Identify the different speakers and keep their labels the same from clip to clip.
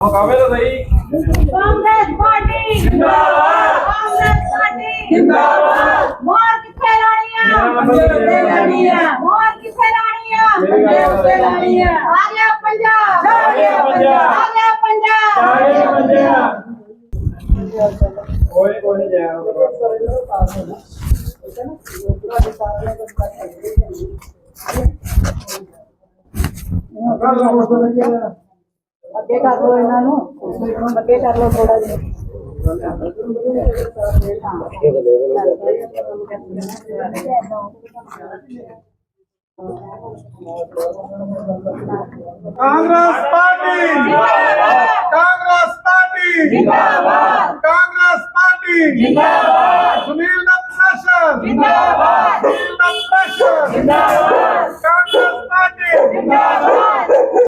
Speaker 1: मुकाबले तो सही।
Speaker 2: कांग्रेस पार्टी जिंदाबाद, कांग्रेस पार्टी जिंदाबाद। मोर किथे लानी है, पंजे उत्ते लानी है। मोर किथे लानी है, पंजे उत्ते लानी है। आ गया पंजाब, आ गया पंजाब, आ गया पंजाब, आ गया पंजाब।
Speaker 1: कोई नहीं जाएगा।
Speaker 2: ਅੱਗੇ ਕਰ ਲੋ ਇਹਨਾਂ ਨੂੰ, ਅੱਗੇ ਕਰ ਲੋ ਥੋੜਾ ਜਿਹਾ।
Speaker 1: कांग्रेस पार्टी जिंदाबाद, कांग्रेस पार्टी जिंदाबाद, कांग्रेस पार्टी जिंदाबाद, सुनील दत्त जिंदाबाद, सुनील दत्त जिंदाबाद, कांग्रेस पार्टी जिंदाबाद।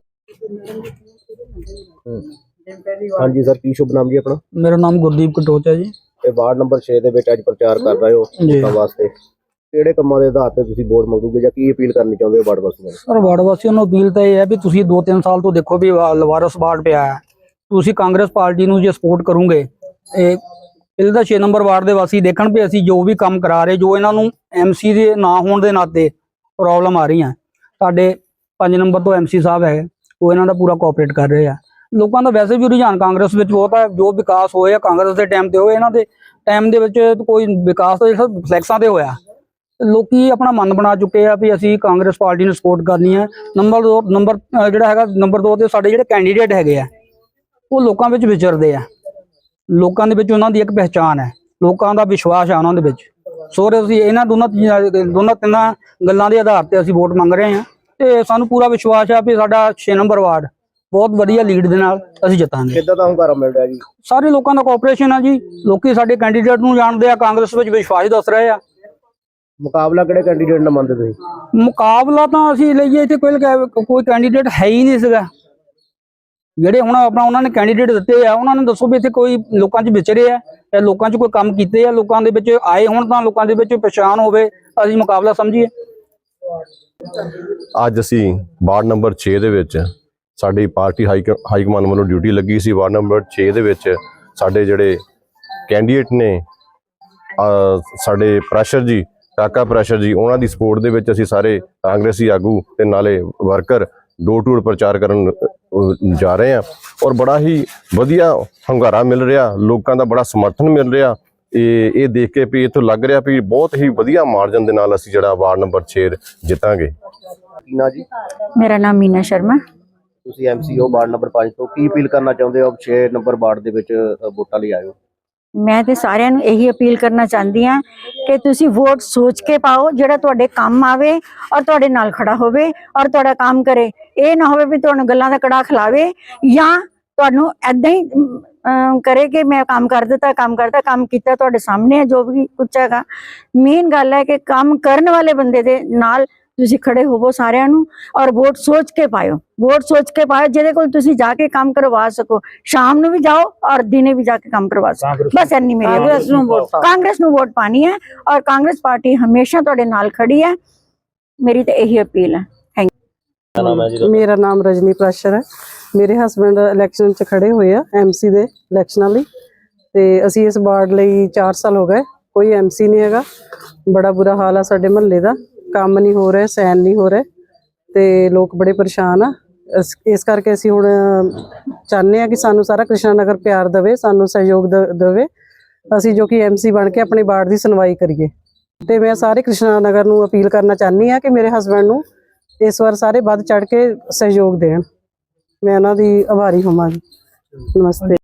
Speaker 3: हाँ जी सर, की शुभ नाम जी अपना?
Speaker 4: मेरा नाम गुरदीप कटोच है जी।
Speaker 3: ਇਹ ਵਾਰਡ ਨੰਬਰ 6 ਦੇ ਵਿੱਚ ਅੱਜ ਪ੍ਰਚਾਰ ਕਰ ਰਹੇ ਹੋ
Speaker 4: ਜੀ।
Speaker 3: ਵੋਟਾਂ ਵਾਸਤੇ ਕਿਹੜੇ ਕੰਮਾਂ ਦੇ ਆਧਾਰ ਤੇ ਤੁਸੀਂ ਵੋਟ ਮੰਗੋਗੇ ਜਾਂ ਕੀ ਅਪੀਲ ਕਰਨੀ ਚਾਹੁੰਦੇ ਹੋ ਵਾਰਡ ਵਾਸੀਆਂ ਨੂੰ?
Speaker 4: ਸਰ ਵਾਰਡ ਵਾਸੀਆਂ ਨੂੰ ਅਪੀਲ ਤਾਂ ਇਹ ਹੈ ਵੀ ਤੁਸੀਂ 2-3 ਸਾਲ ਤੋਂ ਦੇਖੋ ਵੀ ਲਵਾਰਸ ਵਾਰਡ ਪਿਆ ਹੈ, ਤੁਸੀਂ ਕਾਂਗਰਸ ਪਾਰਟੀ ਨੂੰ ਜੇ ਸਪੋਰਟ ਕਰੋਗੇ ਇਹ ਇਹਦਾ 6 ਨੰਬਰ ਵਾਰਡ ਦੇ ਵਾਸੀ ਦੇਖਣ ਵੀ ਅਸੀਂ ਜੋ ਵੀ ਕੰਮ ਕਰਾ ਰਹੇ, ਜੋ ਇਹਨਾਂ ਨੂੰ ਐਮਸੀ ਦੇ ਨਾ ਹੋਣ ਦੇ ਨਾਤੇ ਪ੍ਰੋਬਲਮ ਆ ਰਹੀਆਂ, ਸਾਡੇ 5 ਨੰਬਰ ਤੋਂ ਐਮਸੀ ਸਾਹਿਬ ਹੈ ਉਹ ਇਹਨਾਂ ਦਾ ਪੂਰਾ ਕੋਆਪਰੇਟ ਕਰ ਰਹੇ ਆ। ਲੋਕਾਂ ਦਾ ਵੈਸੇ ਵੀ ਰੁਝਾਨ ਕਾਂਗਰਸ ਵਿੱਚ ਬਹੁਤ ਹੈ, ਜੋ ਵਿਕਾਸ ਹੋਇਆ ਕਾਂਗਰਸ ਦੇ ਟਾਈਮ ਤੇ ਹੋਇਆ, ਇਹਨਾਂ ਦੇ ਟਾਈਮ ਦੇ ਵਿੱਚ ਕੋਈ ਵਿਕਾਸ ਤਾਂ ਜਿਹੜਾ ਫਲੈਕਸਾਂ ਤੇ ਹੋਇਆ। ਲੋਕੀ ਆਪਣਾ ਮਨ ਬਣਾ ਚੁੱਕੇ ਆ ਵੀ ਅਸੀਂ ਕਾਂਗਰਸ ਪਾਰਟੀ ਨੂੰ ਸਪੋਰਟ ਕਰਨੀ ਹੈ। ਨੰਬਰ 2 ਤੇ ਸਾਡੇ ਜਿਹੜੇ ਕੈਂਡੀਡੇਟ ਹੈਗੇ ਆ ਉਹ ਲੋਕਾਂ ਵਿੱਚ ਵਿਚਰਦੇ ਆ, ਲੋਕਾਂ ਦੇ ਵਿੱਚ ਉਹਨਾਂ ਦੀ ਇੱਕ ਪਹਿਚਾਣ ਹੈ, ਲੋਕਾਂ ਦਾ ਵਿਸ਼ਵਾਸ ਆ ਉਹਨਾਂ ਦੇ ਵਿੱਚ। ਸੋ ਅਸੀਂ ਇਹਨਾਂ ਦੋਨਾਂ ਤਿੰਨਾਂ ਗੱਲਾਂ ਦੇ ਆਧਾਰ ਤੇ ਅਸੀਂ ਵੋਟ ਮੰਗ ਰਹੇ ਹਾਂ ਤੇ ਸਾਨੂੰ ਪੂਰਾ ਵਿਸ਼ਵਾਸ ਆ ਵੀ ਸਾਡਾ 6 ਨੰਬਰ ਵਾਰਡ ਬਹੁਤ ਵਧੀਆ ਲੀਡ ਦੇ ਨਾਲ ਅਸੀਂ ਜਿੱਤਾਂਗੇ।
Speaker 3: ਕਿੱਦਾਂ ਦਾ ਹੁੰਗਾਰਾ ਮਿਲ ਰਿਹਾ ਜੀ?
Speaker 4: ਸਾਰੇ ਲੋਕਾਂ ਦਾ ਕੋਆਪਰੇਸ਼ਨ ਆ ਜੀ, ਲੋਕੀ ਸਾਡੇ ਕੈਂਡੀਡੇਟ ਨੂੰ ਜਾਣਦੇ ਆ, ਕਾਂਗਰਸ ਵਿੱਚ ਵਿਸ਼ਵਾਸ ਦੱਸ ਰਹੇ ਆ।
Speaker 3: ਮੁਕਾਬਲਾ ਕਿਹੜੇ ਕੈਂਡੀਡੇਟ ਨਾਲ ਮੰਨਦੇ ਤੁਸੀਂ?
Speaker 4: ਮੁਕਾਬਲਾ ਤਾਂ ਅਸੀਂ ਲਈਏ ਇੱਥੇ ਕੋਈ ਕੈਂਡੀਡੇਟ ਹੈ ਹੀ ਨਹੀਂ ਸੀਗਾ। ਜਿਹੜੇ ਹੁਣ ਆਪਣਾ ਉਹਨਾਂ ਨੇ ਕੈਂਡੀਡੇਟ ਦਿੱਤੇ ਆ ਉਹਨਾਂ ਨੂੰ ਦੱਸੋ ਵੀ ਇੱਥੇ ਕੋਈ ਲੋਕਾਂ 'ਚ ਵਿਚਰੇ ਆ, ਜਾਂ ਲੋਕਾਂ 'ਚ ਕੋਈ ਕੰਮ ਕੀਤੇ ਆ, ਲੋਕਾਂ ਦੇ ਵਿੱਚ ਆਏ ਹੁਣ ਤਾਂ ਲੋਕਾਂ ਦੇ ਵਿੱਚ ਪਛਾਣ ਹੋਵੇ, ਅਸੀਂ ਮੁਕਾਬਲਾ ਸਮਝੀਏ।
Speaker 5: ਅੱਜ ਅਸੀਂ ਵਾਰਡ ਨੰਬਰ 6 ਦੇ ਵਿੱਚ ਸਾਡੀ ਪਾਰਟੀ ਹਾਈ ਕਮਾਂਡ ਵੱਲੋਂ ਡਿਊਟੀ ਲੱਗੀ ਸੀ। ਵਾਰਡ ਨੰਬਰ 6 ਦੇ ਵਿੱਚ ਸਾਡੇ ਜਿਹੜੇ ਕੈਂਡੀਡੇਟ ਨੇ ਸਾਡੇ ਪ੍ਰੈਸ਼ਰ ਜੀ, ਕਾਕਾ ਪ੍ਰੈਸ਼ਰ ਜੀ, ਉਹਨਾਂ ਦੀ ਸਪੋਰਟ ਦੇ ਵਿੱਚ ਅਸੀਂ ਸਾਰੇ ਕਾਂਗਰਸੀ ਆਗੂ ਤੇ ਨਾਲੇ ਵਰਕਰ ਡੋਰ ਟੂ ਡੋਰ ਪ੍ਰਚਾਰ ਕਰਨ ਜਾ ਰਹੇ ਹਾਂ ਔਰ ਬੜਾ ਹੀ ਵਧੀਆ ਹੁੰਗਾਰਾ ਮਿਲ ਰਿਹਾ, ਲੋਕਾਂ ਦਾ ਬੜਾ ਸਮਰਥਨ ਮਿਲ ਰਿਹਾ। ਇਹ ਦੇਖ ਕੇ ਵੀ ਇੱਥੋਂ ਲੱਗ ਰਿਹਾ ਵੀ ਬਹੁਤ ਹੀ ਵਧੀਆ ਮਾਰਜਨ ਦੇ ਨਾਲ ਅਸੀਂ ਜਿਹੜਾ ਵਾਰਡ ਨੰਬਰ 6 ਜਿੱਤਾਂਗੇ।
Speaker 3: ਨਾ ਜੀ,
Speaker 6: मेरा नाम मीना शर्मा।
Speaker 3: ਤੁਸੀਂ ਐਮਸੀ ਹੋ ਵਾਰਡ ਨੰਬਰ 5 ਤੋਂ, ਕੀ ਅਪੀਲ ਕਰਨਾ ਚਾਹੁੰਦੇ ਹੋ? 6 ਨੰਬਰ ਵਾਰਡ ਦੇ ਵਿੱਚ ਵੋਟਾਂ ਲਈ ਆਏ ਹੋ।
Speaker 6: ਮੈਂ ਤੇ ਸਾਰਿਆਂ ਨੂੰ ਇਹੀ ਅਪੀਲ ਕਰਨਾ ਚਾਹੁੰਦੀ ਹਾਂ ਕਿ ਤੁਸੀਂ ਵੋਟ ਸੋਚ ਕੇ ਪਾਓ, ਜਿਹੜਾ ਤੁਹਾਡੇ ਕੰਮ ਆਵੇ ਔਰ ਤੁਹਾਡੇ ਨਾਲ ਖੜਾ ਹੋਵੇ ਔਰ ਤੁਹਾਡਾ ਕੰਮ ਕਰੇ। ਇਹ ਨਾ ਹੋਵੇ ਵੀ ਤੁਹਾਨੂੰ ਗੱਲਾਂ ਦਾ ਕੜਾ ਖਿਲਾਵੇ ਜਾਂ ਤੁਹਾਨੂੰ ਐਦਾਂ ਹੀ ਕਰੇ ਕਿ ਮੈਂ ਕੰਮ ਕਰ ਦਿੱਤਾ, ਕੰਮ ਕੀਤਾ ਤੁਹਾਡੇ ਸਾਹਮਣੇ ਹੈ ਜੋ ਵੀ ਕੁਝ ਹੈਗਾ। ਮੇਨ ਗੱਲ ਹੈ ਕਿ ਕੰਮ ਕਰਨ ਵਾਲੇ ਬੰਦੇ ਦੇ ਨਾਲ ਤੁਸੀਂ ਖੜੇ ਹੋਵੋ ਸਾਰਿਆਂ ਨੂੰ ਔਰ ਵੋਟ ਸੋਚ ਕੇ ਪਾਇਓ, ਜਿਹਦੇ ਕੋਲ ਤੁਸੀਂ ਜਾ ਕੇ ਕੰਮ ਕਰਵਾ ਸਕੋ। ਸ਼ਾਮ ਨੂੰ ਵੀ ਜਾਓ ਔਰ ਦਿਨੇ ਵੀ ਜਾ ਕੇ ਕੰਮ ਕਰਵਾ ਸਕੋ। ਬਸ ਇੰਨੀ ਮੇਰੀ ਕਾਂਗਰਸ ਨੂੰ ਵੋਟ ਪਾਣੀ ਹੈ ਔਰ ਕਾਂਗਰਸ ਪਾਰਟੀ ਹਮੇਸ਼ਾ ਤੁਹਾਡੇ ਨਾਲ ਖੜੀ ਹੈ। ਮੇਰੀ ਤਾਂ ਇਹੀ ਅਪੀਲ ਹੈ।
Speaker 7: ਮੇਰਾ ਨਾਮ ਰਜਨੀ ਪ੍ਰੈਸ਼ਰ ਹੈ। ਮੇਰੇ ਹਸਬੈਂਡ ਇਲੈਕਸ਼ਨ 'ਚ ਖੜੇ ਹੋਏ ਆ ਐਮਸੀ ਦੇ ਇਲੈਕਸ਼ਨਾਂ ਲਈ, ਤੇ ਅਸੀਂ ਇਸ ਵਾਰਡ ਲਈ 4 ਸਾਲ ਹੋ ਗਏ, ਕੋਈ ਐਮਸੀ ਨਹੀਂ ਹੈਗਾ। ਬੜਾ ਬੁਰਾ ਹਾਲ ਆ ਸਾਡੇ ਮਹੱਲੇ ਦਾ, ਕੰਮ ਨਹੀਂ ਹੋ ਰਿਹਾ, ਸੈਨ ਨਹੀਂ ਹੋ ਰਿਹਾ ਤੇ ਲੋਕ ਬੜੇ ਪਰੇਸ਼ਾਨ ਆ। ਇਸ ਕਰਕੇ ਅਸੀਂ ਹੁਣ ਚਾਹੁੰਦੇ ਆ ਕਿ ਸਾਨੂੰ ਸਾਰਾ ਕ੍ਰਿਸ਼ਨਾ ਨਗਰ ਪਿਆਰ ਦੇਵੇ, ਸਾਨੂੰ ਸਹਿਯੋਗ ਦੇਵੇ, ਅਸੀਂ ਜੋ ਕਿ ਐਮਸੀ ਬਣ ਕੇ ਆਪਣੇ ਵਾਰਡ ਦੀ ਸੁਣਵਾਈ ਕਰੀਏ। ਤੇ ਮੈਂ ਸਾਰੇ ਕ੍ਰਿਸ਼ਨਾ ਨਗਰ ਨੂੰ ਅਪੀਲ ਕਰਨਾ ਚਾਹੁੰਦੀ ਆ ਕਿ ਮੇਰੇ ਹਸਬੈਂਡ ਨੂੰ ਇਸ ਵਾਰ ਸਾਰੇ ਵੱਧ ਚੜ ਕੇ ਸਹਿਯੋਗ ਦੇਣ। ਮੈਂ ਉਹਨਾਂ ਦੀ ਆਭਾਰੀ ਹੋਵਾਂਗੀ। ਨਮਸਤੇ।